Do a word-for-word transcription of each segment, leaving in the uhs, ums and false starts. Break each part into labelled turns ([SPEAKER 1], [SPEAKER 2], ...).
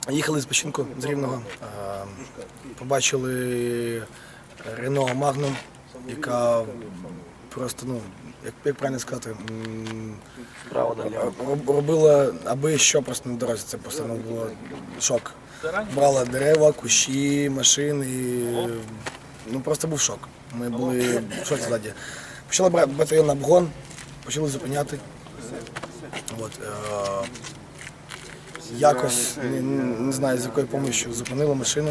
[SPEAKER 1] Їхали з Печінку, з Рівного, побачили Рено Magnum, яка просто, ну, як, як правильно сказати, робила аби що просто на дорозі, це просто ну, було шок. Брала дерева, кущі, машини, ну просто був шок. Ми були в шоці ззаді. Почали брати батальйон на обгон, почали зупиняти. От, е Якось, не, не знаю з якою допомогою, зупинили машину,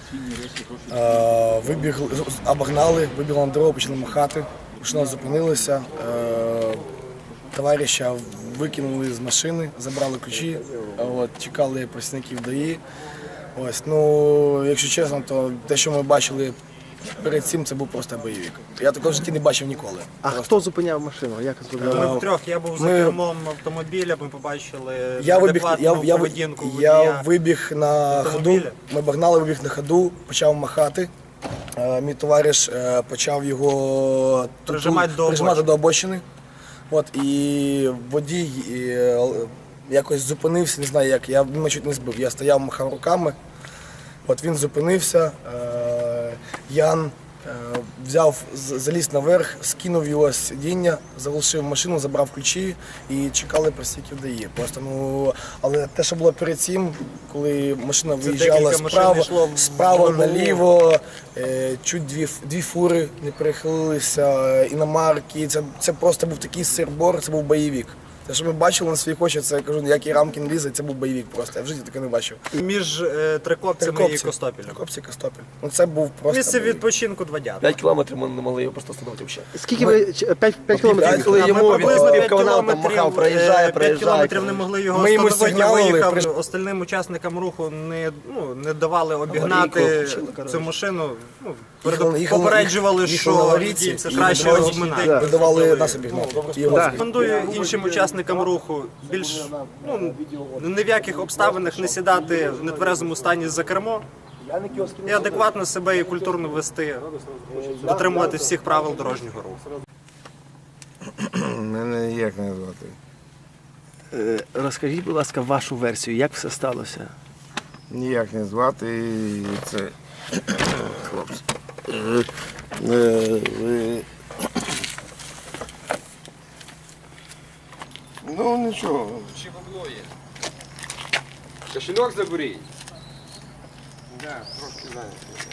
[SPEAKER 1] е вибігли, обогнали, вибігли на дорогу, почали махати, машина зупинилася, е товариша викинули з машини, забрали ключі, от, чекали працівників ДАІ. Ось, ну, якщо чесно, то те, що ми бачили перед цим, це був просто бойовик. Я такого в житті не бачив ніколи.
[SPEAKER 2] А просто. Хто зупиняв машину? Як
[SPEAKER 3] Ми втрьох, я був за
[SPEAKER 1] ми...
[SPEAKER 3] кермом автомобіля, ми побачили
[SPEAKER 1] я вибіг, я, я,
[SPEAKER 3] поведінку
[SPEAKER 1] я вибіг на ходу, ми обогнали, вибіг на ходу, почав махати. Мій товариш почав його
[SPEAKER 3] прижимати до,
[SPEAKER 1] прижимати до обочини. От, і водій якось зупинився, не знаю як, я мене чуть не збив. Я стояв, махав руками, от він зупинився, Ян взяв, заліз наверх, скинув його з сидіння, залишив машину, забрав ключі і чекали працівників ДАІ. Просто, ну, але те, що було перед цим, коли машина виїжджала справа, справа наліво, чуть дві, дві фури не перехилилися, іномарки, це, це просто був такий сир-бор, це був бойовик. Те, що ми бачили на своїх очах, це, я кажу, ніякі рамки не лізе, це був бойовик просто, я в житті таке не бачив.
[SPEAKER 3] Між е, Трикопцями
[SPEAKER 1] Трикопці.
[SPEAKER 3] і Костопілем.
[SPEAKER 1] Трикопці і Костопіль. Ну це був просто
[SPEAKER 3] Місце відпочинку два дятла.
[SPEAKER 4] п'ять кілометрів ми не могли його просто встановити взагалі.
[SPEAKER 2] Скільки ви, п'ять кілометрів,
[SPEAKER 4] коли
[SPEAKER 3] А
[SPEAKER 4] йому
[SPEAKER 3] ми приблизно
[SPEAKER 4] від
[SPEAKER 3] п'ять
[SPEAKER 4] каналу там махав, проїжджає, проїжджає.
[SPEAKER 3] кілометрів не могли його
[SPEAKER 1] Ми йому
[SPEAKER 3] встановити,
[SPEAKER 1] сигналили,
[SPEAKER 3] виїхав,
[SPEAKER 1] приж-
[SPEAKER 3] остальним учасникам руху не, ну, не давали обігнати цю машину. Ну,
[SPEAKER 1] Їхали- їхали-
[SPEAKER 3] попереджували,
[SPEAKER 1] їхали
[SPEAKER 3] що
[SPEAKER 1] на аварійці,
[SPEAKER 3] водій це
[SPEAKER 1] і
[SPEAKER 3] краще
[SPEAKER 1] видавали-
[SPEAKER 3] обминати.
[SPEAKER 1] видавали нас обігнати. І його
[SPEAKER 2] Да.
[SPEAKER 3] Рекомендую іншим учасникам руху більш ну, ні в яких обставинах не сідати в нетверезому стані за кермо і адекватно себе і культурно вести, дотримувати всіх правил дорожнього руху.
[SPEAKER 5] Мене ніяк не звати.
[SPEAKER 2] Е, Розкажіть, будь ласка, вашу версію, як все сталося?
[SPEAKER 5] Ніяк не звати і це хлопці. Е, е, ви- Ну нічого.
[SPEAKER 6] Чи бабло є? Кошельок заберіть.
[SPEAKER 5] Да, трошки знаю.